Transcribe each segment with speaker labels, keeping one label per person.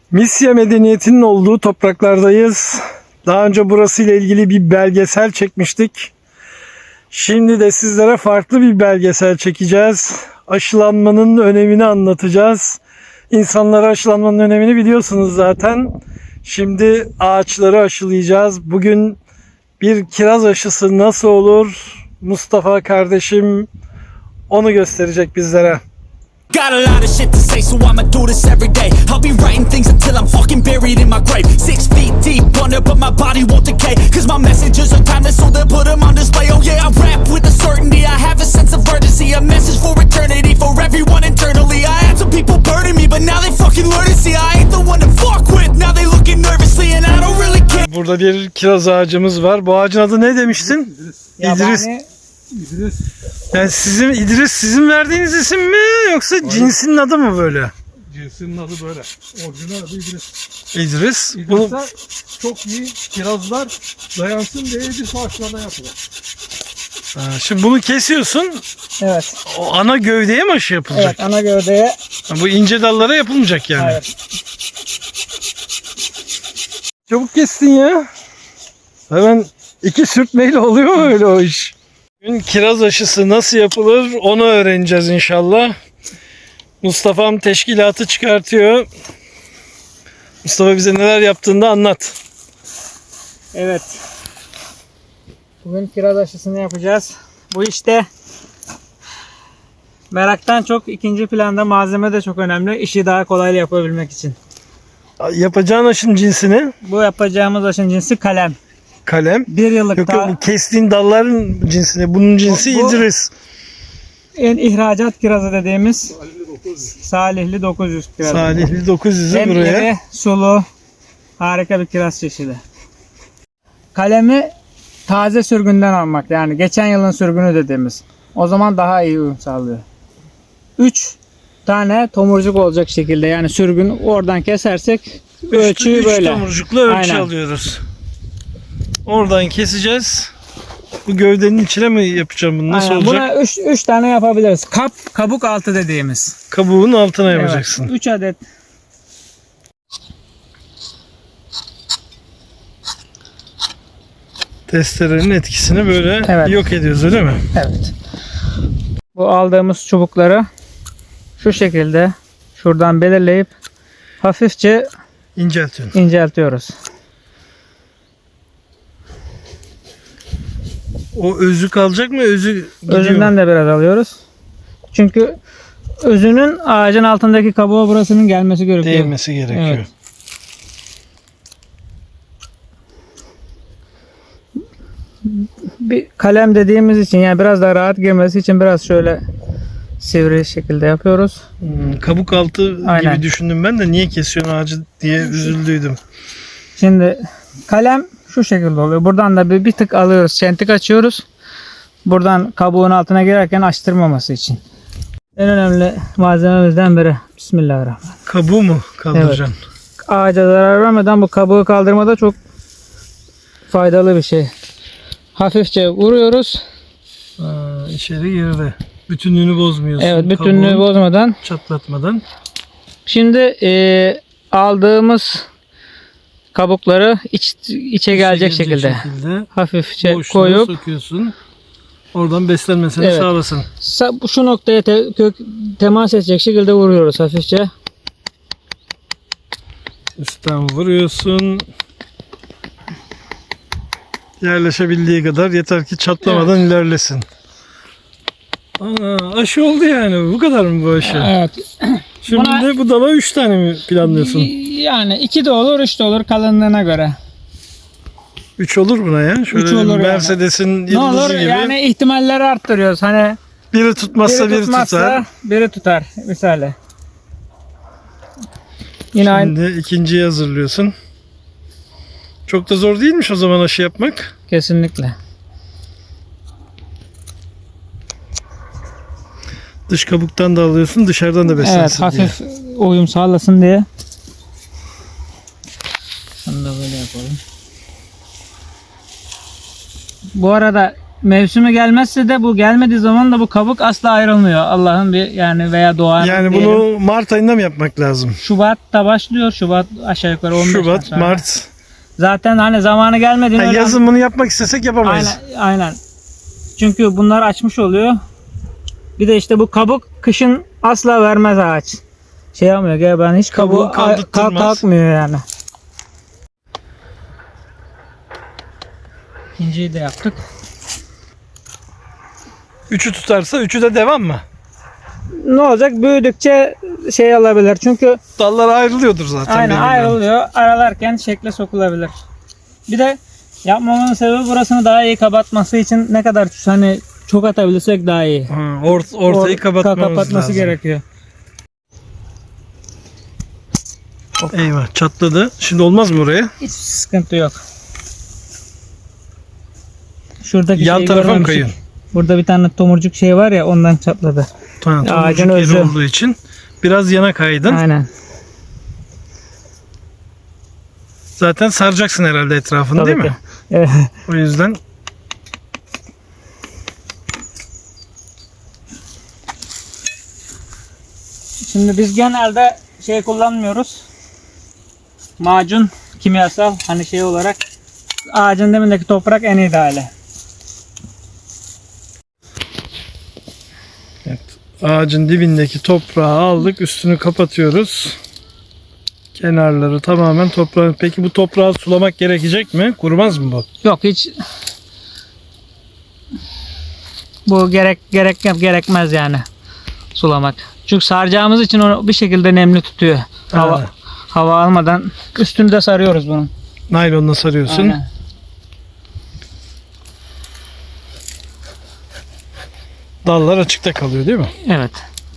Speaker 1: Misya medeniyetinin olduğu topraklardayız. Daha önce burası ile ilgili bir belgesel çekmiştik. Şimdi de sizlere farklı bir belgesel çekeceğiz. Aşılanmanın önemini anlatacağız. İnsanlara aşılanmanın önemini biliyorsunuz zaten. Şimdi ağaçları aşılayacağız. Bugün bir kiraz aşısı nasıl olur? Mustafa kardeşim onu gösterecek bizlere.
Speaker 2: Got a lot of shit to say, so I'ma do this every day. I'll be writing things until I'm fucking buried in my grave. 6 feet deep under, but my body won't decay. Cause my messages are timeless, so they'll put them on display. Oh yeah, I rap with a certainty, I have a sense of urgency. A message for eternity, for everyone internally. I had some people burning me, but now they fucking learn to see I ain't the one to fuck with. Now they looking nervously and I don't really care.
Speaker 1: Burada bir kiraz ağacımız var. Bu ağacın adı ne demiştin? İdris.
Speaker 3: İdris.
Speaker 1: Yani sizin verdiğiniz isim mi yoksa cinsinin adı mı böyle?
Speaker 3: Cinsinin adı böyle. Orijinal adı İdris.
Speaker 1: İdris.
Speaker 3: İdris'te çok iyi kirazlar dayansın diye İdris ağaçlarına yapılır.
Speaker 1: Şimdi bunu kesiyorsun.
Speaker 4: Evet.
Speaker 1: O ana gövdeye mi aşı yapılacak?
Speaker 4: Evet, ana gövdeye.
Speaker 1: Bu ince dallara yapılmayacak yani.
Speaker 4: Hayır.
Speaker 1: Çabuk kestin ya. Hemen 2 sürtmeyle oluyor mu öyle o iş? Bugün kiraz aşısı nasıl yapılır onu öğreneceğiz inşallah. Mustafa'm teşkilatı çıkartıyor. Mustafa bize neler yaptığını da anlat.
Speaker 4: Evet. Bugün kiraz aşısını yapacağız. Bu işte meraktan çok ikinci planda, malzeme de çok önemli. İşi daha kolay yapabilmek için.
Speaker 1: Yapacağın aşının cinsini?
Speaker 4: Bu yapacağımız aşının cinsi kalem.
Speaker 1: Kalem.
Speaker 4: 1 yıllık
Speaker 1: Yok bu kestiğin dalların cinsini. Bunun cinsi
Speaker 4: Bu-
Speaker 1: İdris.
Speaker 4: en ihracat kirazı dediğimiz Salihli 900 kirazı.
Speaker 1: Salihli 900'ü
Speaker 4: Hem
Speaker 1: buraya.
Speaker 4: iri, sulu, harika bir kiraz çeşidi. Kalemi taze sürgünden almak, yani geçen yılın sürgünü dediğimiz. O zaman daha iyi uyum sağlıyor. 3 tane tomurcuk olacak şekilde, yani sürgün oradan kesersek ölçüyü
Speaker 1: Üç
Speaker 4: böyle.
Speaker 1: tomurcukla ölçü
Speaker 4: Aynen.
Speaker 1: alıyoruz. Oradan keseceğiz. Bu gövdenin içine mi yapacağım bunu? Nasıl
Speaker 4: Aynen.
Speaker 1: olacak?
Speaker 4: Buna 3 tane yapabiliriz. Kabuk altı dediğimiz.
Speaker 1: Kabuğun altına yapacaksın.
Speaker 4: 3 adet.
Speaker 1: Testerenin etkisini böyle
Speaker 4: Evet.
Speaker 1: yok ediyoruz öyle mi?
Speaker 4: Evet. Bu aldığımız çubukları şu şekilde şuradan belirleyip hafifçe
Speaker 1: İnceltiyorsun.
Speaker 4: inceltiyoruz.
Speaker 1: O özü kalacak mı? Özü gidiyor.
Speaker 4: Özünden de biraz alıyoruz. Çünkü özünün ağacın altındaki kabuğa burasının gelmesi gerekiyor.
Speaker 1: Değmesi gerekiyor.
Speaker 4: Evet. Bir kalem dediğimiz için, yani biraz daha rahat girmesi için biraz şöyle sivri şekilde yapıyoruz.
Speaker 1: Kabuk altı
Speaker 4: Aynen.
Speaker 1: gibi düşündüm ben de niye kesiyorsun ağacı diye üzüldüydüm.
Speaker 4: Şimdi kalem şu şekilde oluyor. Buradan da bir tık alıyoruz. Çentik açıyoruz. Buradan kabuğun altına girerken açtırmaması için. En önemli malzememizden biri. Bismillahirrahmanirrahim.
Speaker 1: Kabuğu mu kaldıracaksın?
Speaker 4: Ağaca zarar vermeden bu kabuğu kaldırmada çok faydalı bir şey. Hafifçe vuruyoruz.
Speaker 1: İçeri girdi. Bütünlüğünü bozmuyorsun.
Speaker 4: Evet, bütünlüğü
Speaker 1: Kabuğunu
Speaker 4: bozmadan.
Speaker 1: çatlatmadan.
Speaker 4: Şimdi aldığımız kabukları içe gelecek şekilde hafifçe
Speaker 1: boşluğuna
Speaker 4: koyup
Speaker 1: sokuyorsun. Oradan beslenmesini
Speaker 4: Evet.
Speaker 1: sağlasın.
Speaker 4: şu noktaya temas edecek şekilde vuruyoruz hafifçe.
Speaker 1: Üstten vuruyorsun. Yerleşebildiği kadar yeter ki çatlamadan ilerlesin. Aşı oldu yani. Bu kadar mı bu aşı?
Speaker 4: Evet.
Speaker 1: Şimdi
Speaker 4: Buna-
Speaker 1: de bu dala 3 tane mi planlıyorsun?
Speaker 4: Yani 2 de olur, 3 de olur kalınlığına göre.
Speaker 1: 3 olur buna ya. Şöyle
Speaker 4: Üç olur yani.
Speaker 1: Mercedes'in
Speaker 4: Ne
Speaker 1: yıldızı
Speaker 4: olur
Speaker 1: gibi.
Speaker 4: yani, ihtimalleri arttırıyoruz. Hani
Speaker 1: Biri tutmazsa biri
Speaker 4: tutmazsa
Speaker 1: tutar.
Speaker 4: biri tutar misali. Yine aynı.
Speaker 1: Şimdi ikinciyi hazırlıyorsun. Çok da zor değilmiş o zaman aşı yapmak.
Speaker 4: Kesinlikle.
Speaker 1: Dış kabuktan da alıyorsun, dışarıdan da
Speaker 4: Evet,
Speaker 1: beslensin diye.
Speaker 4: hafif uyum sağlasın diye. Şunu da böyle yapalım. Bu arada mevsimi gelmezse de bu gelmediği zaman da bu kabuk asla ayrılmıyor. Allah'ın bir yani veya doğanın
Speaker 1: Yani
Speaker 4: diyelim.
Speaker 1: bunu Mart ayında mı yapmak lazım?
Speaker 4: Şubat'ta başlıyor. Şubat aşağı yukarı 15
Speaker 1: Şubat,
Speaker 4: sonra.
Speaker 1: Mart.
Speaker 4: Zaten hani zamanı gelmediğinde
Speaker 1: Ha, yazın bunu yapmak istesek yapamayız.
Speaker 4: aynen. Çünkü bunlar açmış oluyor. Bir de işte bu kabuk kışın asla vermez ağaç. Şey yapmıyor. Gel ben hiç
Speaker 1: Kabuğu
Speaker 4: kabuğu
Speaker 1: kaldırtmaz.
Speaker 4: kalkmıyor yani. İkinciyi de yaptık.
Speaker 1: 3'ü tutarsa 3'ü de devam mı?
Speaker 4: Ne olacak? Büyüdükçe şey alabilir. Çünkü
Speaker 1: Dallar ayrılıyordur zaten.
Speaker 4: aynen
Speaker 1: birbirinden.
Speaker 4: ayrılıyor. Aralarken şekle sokulabilir. Bir de yapmamamın sebebi burasını daha iyi kapatması için ne kadar hani çok atabilirsek daha iyi.
Speaker 1: Ha, ortayı kapatması lazım.
Speaker 4: gerekiyor.
Speaker 1: Eyvah, çatladı. Şimdi olmaz mı oraya?
Speaker 4: Hiç sıkıntı yok. Şuradaki
Speaker 1: Yan
Speaker 4: şeyi
Speaker 1: tarafa mı
Speaker 4: görmemiştik.
Speaker 1: kayın?
Speaker 4: Burada bir tane tomurcuk şey var ya ondan çatladı.
Speaker 1: Tamam,
Speaker 4: Ağacın
Speaker 1: tomurcuk yeri
Speaker 4: özü.
Speaker 1: olduğu için biraz yana kaydın.
Speaker 4: Aynen.
Speaker 1: Zaten saracaksın herhalde etrafını,
Speaker 4: Tabii
Speaker 1: değil
Speaker 4: ki.
Speaker 1: mi?
Speaker 4: Evet.
Speaker 1: O yüzden
Speaker 4: Şimdi biz genelde şey kullanmıyoruz. Macun, kimyasal hani şey olarak ağacın dibindeki toprak en ideali.
Speaker 1: ağacın dibindeki toprağı aldık, üstünü kapatıyoruz. Kenarları tamamen toprağın. Peki bu toprağı sulamak gerekecek mi? Kurumaz mı bu?
Speaker 4: Yok hiç bu gerekmez yani sulamak. Çünkü saracağımız için onu bir şekilde nemli tutuyor.
Speaker 1: Ha.
Speaker 4: Hava almadan üstünü de sarıyoruz bunun.
Speaker 1: Naylonla sarıyorsun.
Speaker 4: Aynen.
Speaker 1: Dallar açıkta kalıyor, değil mi?
Speaker 4: Evet.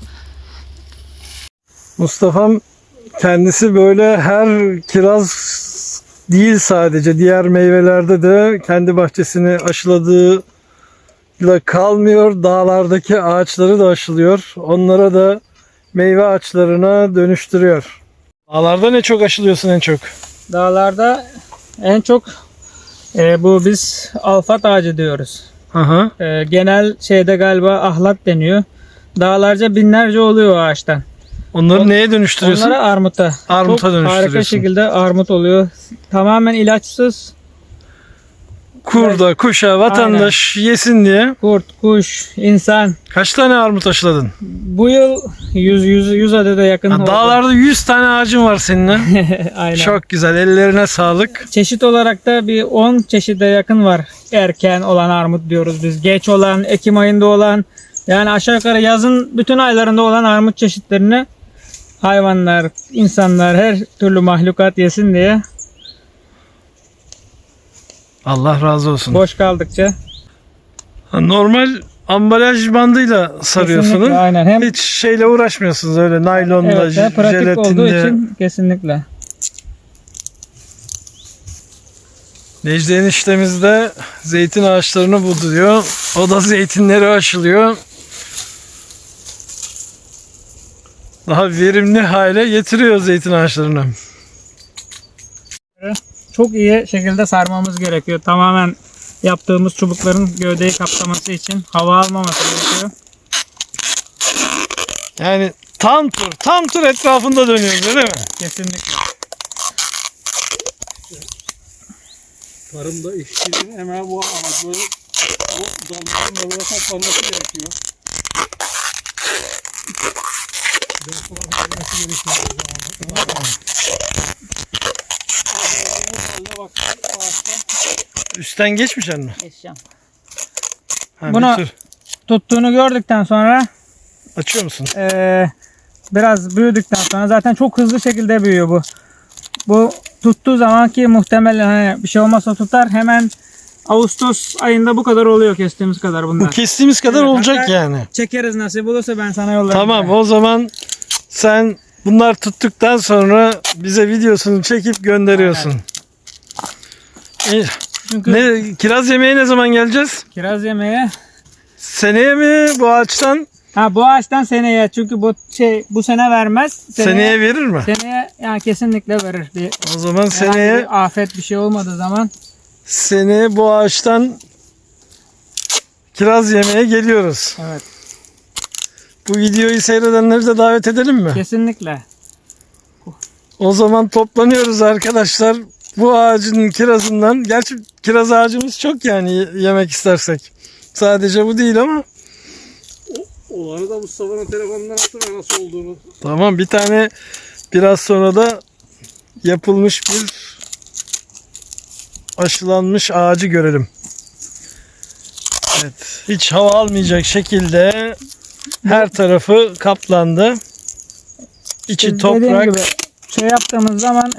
Speaker 1: Mustafa'm kendisi böyle her kiraz değil, sadece diğer meyvelerde de kendi bahçesini aşıladığıyla kalmıyor. Dağlardaki ağaçları da aşılıyor. Onlara da meyve ağaçlarına dönüştürüyor. Dağlarda ne çok aşılıyorsun en çok?
Speaker 4: Dağlarda en çok bu biz alfat ağacı diyoruz.
Speaker 1: Aha.
Speaker 4: Genel şeyde galiba ahlat deniyor. Dağlarca binlerce oluyor o ağaçtan.
Speaker 1: Onları neye dönüştürüyorsun?
Speaker 4: Onları armuta.
Speaker 1: Armuta
Speaker 4: Çok harika
Speaker 1: dönüştürüyorsun.
Speaker 4: şekilde armut oluyor. Tamamen ilaçsız.
Speaker 1: Kurda, kuşa, vatandaş yesin diye.
Speaker 4: Kurt, kuş, insan.
Speaker 1: Kaç tane armut aşıladın?
Speaker 4: Bu yıl 100 adede yakın
Speaker 1: Ha,
Speaker 4: oldu.
Speaker 1: dağlarda 100 tane ağacın var seninle.
Speaker 4: Aynen.
Speaker 1: Çok güzel. Ellerine sağlık.
Speaker 4: Çeşit olarak da bir 10 çeşide yakın var. Erken olan armut diyoruz biz. Geç olan, Ekim ayında olan, yani aşağı yukarı yazın bütün aylarında olan armut çeşitlerini hayvanlar, insanlar, her türlü mahlukat yesin diye
Speaker 1: Allah razı olsun.
Speaker 4: boş kaldıkça.
Speaker 1: Ha, normal ambalaj bandıyla sarıyorsunuz.
Speaker 4: Kesinlikle, aynen. Hem
Speaker 1: Hiç şeyle uğraşmıyorsunuz öyle naylonla,
Speaker 4: evet, ve pratik olduğu
Speaker 1: jelatinle.
Speaker 4: için kesinlikle.
Speaker 1: Necdi eniştemiz de zeytin ağaçlarını buduruyor. O da zeytinleri aşılıyor. Daha verimli hale getiriyor zeytin ağaçlarını.
Speaker 4: Çok iyi şekilde sarmamız gerekiyor. Tamamen yaptığımız çubukların gövdeyi kaplaması için, hava almaması gerekiyor.
Speaker 1: Yani tam tur etrafında dönüyoruz, öyle mi?
Speaker 4: Kesinlikle.
Speaker 3: Tarımda işçinin emeği bu ama böyle o dalların da böyle toplanması gerekiyor.
Speaker 1: Üstten geçmeyecek mi?
Speaker 4: Geçeceğim.
Speaker 1: Ha,
Speaker 4: Buna-
Speaker 1: bir tur.
Speaker 4: Tuttuğunu gördükten sonra
Speaker 1: Açıyor musun?
Speaker 4: biraz büyüdükten sonra zaten çok hızlı şekilde büyüyor bu. Bu tuttuğu zaman ki muhtemelen hani bir şey olmazsa tutar, hemen Ağustos ayında bu kadar oluyor, kestiğimiz kadar
Speaker 1: Bu
Speaker 4: bunlar.
Speaker 1: kestiğimiz kadar
Speaker 4: Evet,
Speaker 1: olacak
Speaker 4: hatta
Speaker 1: yani.
Speaker 4: Çekeriz nasip olursa ben sana yollarım.
Speaker 1: Tamam, o zaman sen bunlar tuttuktan sonra bize videosunu çekip gönderiyorsun.
Speaker 4: Çünkü
Speaker 1: Ne, kiraz yemeye ne zaman geleceğiz?
Speaker 4: kiraz yemeye
Speaker 1: Seneye mi bu ağaçtan?
Speaker 4: bu ağaçtan seneye, çünkü bu sene vermez.
Speaker 1: Seneye verir mi?
Speaker 4: Seneye yani kesinlikle verir.
Speaker 1: O zaman
Speaker 4: Herhangi
Speaker 1: seneye
Speaker 4: bir afet bir şey olmadığı zaman
Speaker 1: bu ağaçtan kiraz yemeye geliyoruz.
Speaker 4: Evet.
Speaker 1: Bu videoyu seyredenleri de davet edelim mi?
Speaker 4: Kesinlikle.
Speaker 1: O zaman toplanıyoruz arkadaşlar. Bu ağacın kirazından, gerçi kiraz ağacımız çok yani yemek istersek. Sadece bu değil ama.
Speaker 3: Olanı da Mustafa'nın telefonundan atın nasıl olduğunu.
Speaker 1: Tamam, bir tane biraz sonra da yapılmış bir aşılanmış ağacı görelim. Evet, hiç hava almayacak şekilde her tarafı kaplandı. İçi
Speaker 4: Dediğim
Speaker 1: toprak.
Speaker 4: gibi şey yaptığımız zaman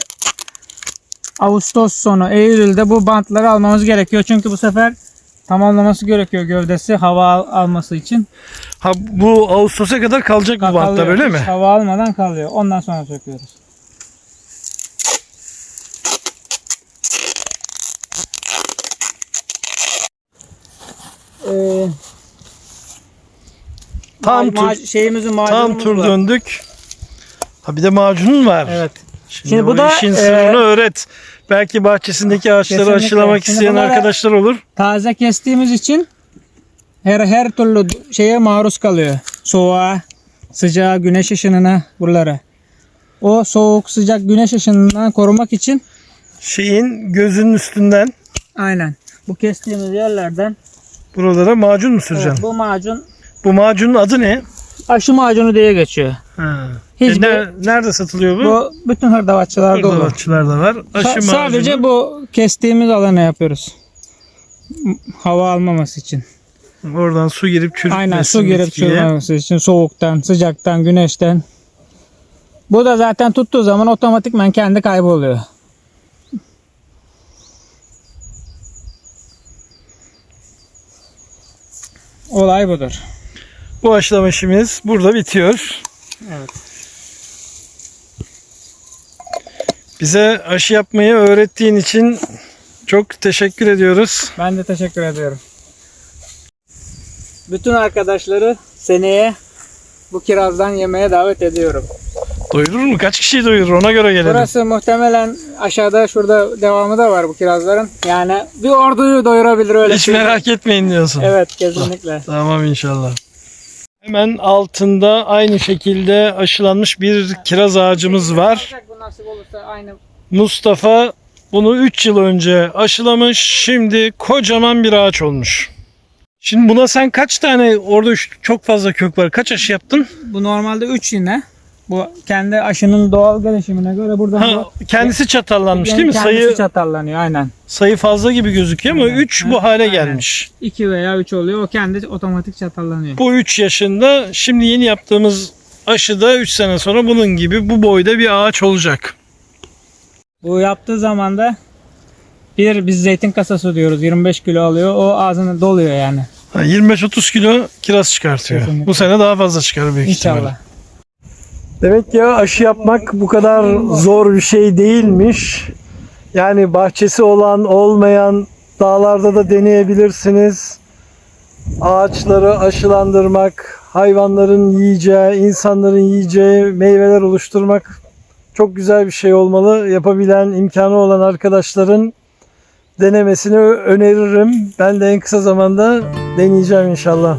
Speaker 4: Ağustos sonu, Eylül'de bu bantları almamız gerekiyor. Çünkü bu sefer tamamlaması gerekiyor gövdesi hava alması için.
Speaker 1: Ha, bu Ağustos'a kadar kalacak bu bantlar,
Speaker 4: Kalıyor.
Speaker 1: öyle mi?
Speaker 4: Hiç hava almadan kalıyor. Ondan sonra söküyoruz. Şeyimizin
Speaker 1: Tam
Speaker 4: macunumuz
Speaker 1: tur
Speaker 4: var.
Speaker 1: döndük. Ha, bir de macunun var.
Speaker 4: Evet.
Speaker 1: Şimdi
Speaker 4: bu
Speaker 1: bu
Speaker 4: da,
Speaker 1: işin sırrını öğret. Belki bahçesindeki ağaçları
Speaker 4: Kesinlikle.
Speaker 1: aşılamak
Speaker 4: Şimdi
Speaker 1: isteyen
Speaker 4: bunlara-
Speaker 1: arkadaşlar olur.
Speaker 4: Taze kestiğimiz için her türlü şeye maruz kalıyor. Soğuğa, sıcağa, güneş ışınına, buralara. O soğuk, sıcak, güneş ışınından korumak için
Speaker 1: Şeyin gözünün üstünden
Speaker 4: aynen bu kestiğimiz yerlerden
Speaker 1: buralara macun mu süreceksin?
Speaker 4: evet, bu macun
Speaker 1: Bu macunun adı ne?
Speaker 4: aşı macunu diye geçiyor.
Speaker 1: Ha.
Speaker 4: Hiçbir-
Speaker 1: Nerede satılıyor bu?
Speaker 4: Bu bütün hırdavatçılarda olur.
Speaker 1: Hırdavatçılarda var. Aşı macunu.
Speaker 4: Sadece bu kestiğimiz alana yapıyoruz. Hava almaması için.
Speaker 1: Oradan su girip çürütmesin.
Speaker 4: Aynen su girip
Speaker 1: bitkiye.
Speaker 4: çürümemesi için soğuktan, sıcaktan, güneşten. Bu da zaten tuttuğu zaman otomatikman kendi kayboluyor. Olay budur.
Speaker 1: Bu aşılama işimiz burada bitiyor.
Speaker 4: Evet.
Speaker 1: Bize aşı yapmayı öğrettiğin için çok teşekkür ediyoruz.
Speaker 4: Ben de teşekkür ediyorum. Bütün arkadaşları seneye bu kirazdan yemeye davet ediyorum.
Speaker 1: Doyurur mu? Kaç kişiyi doyurur? Ona göre gelelim.
Speaker 4: Burası muhtemelen aşağıda şurada devamı da var bu kirazların. Yani bir orduyu doyurabilir öyle.
Speaker 1: Hiç
Speaker 4: söyleyeyim.
Speaker 1: merak etmeyin diyorsun.
Speaker 4: Evet kesinlikle.
Speaker 1: Tamam inşallah. Hemen altında aynı şekilde aşılanmış bir kiraz ağacımız var.
Speaker 4: Bu nasip olursa aynı.
Speaker 1: Mustafa bunu 3 yıl önce aşılamış. Şimdi kocaman bir ağaç olmuş. Şimdi buna sen kaç tane, orada çok fazla kök var. Kaç aşı yaptın?
Speaker 4: Bu normalde 3 yine. Bu kendi aşının doğal gelişimine göre burada
Speaker 1: Ha, kendisi çatallanmış değil mi?
Speaker 4: Kendisi çatallanıyor aynen.
Speaker 1: Sayı fazla gibi gözüküyor ama
Speaker 4: Aynen.
Speaker 1: 3 bu hale
Speaker 4: Aynen.
Speaker 1: gelmiş.
Speaker 4: 2 veya 3 oluyor. O kendi otomatik çatallanıyor.
Speaker 1: Bu 3 yaşında. Şimdi yeni yaptığımız aşıda 3 sene sonra bunun gibi bu boyda bir ağaç olacak.
Speaker 4: Bu yaptığı zaman da biz zeytin kasası diyoruz. 25 kilo alıyor. O ağzını doluyor yani.
Speaker 1: 25-30 kilo kiraz çıkartıyor.
Speaker 4: Kesinlikle.
Speaker 1: Bu sene daha fazla çıkar büyük ihtimalle.
Speaker 4: İnşallah.
Speaker 1: Demek ya aşı yapmak bu kadar zor bir şey değilmiş. Yani bahçesi olan olmayan dağlarda da deneyebilirsiniz. Ağaçları aşılandırmak, hayvanların yiyeceği, insanların yiyeceği meyveler oluşturmak çok güzel bir şey olmalı. Yapabilen, imkanı olan arkadaşların denemesini öneririm. Ben de en kısa zamanda deneyeceğim inşallah.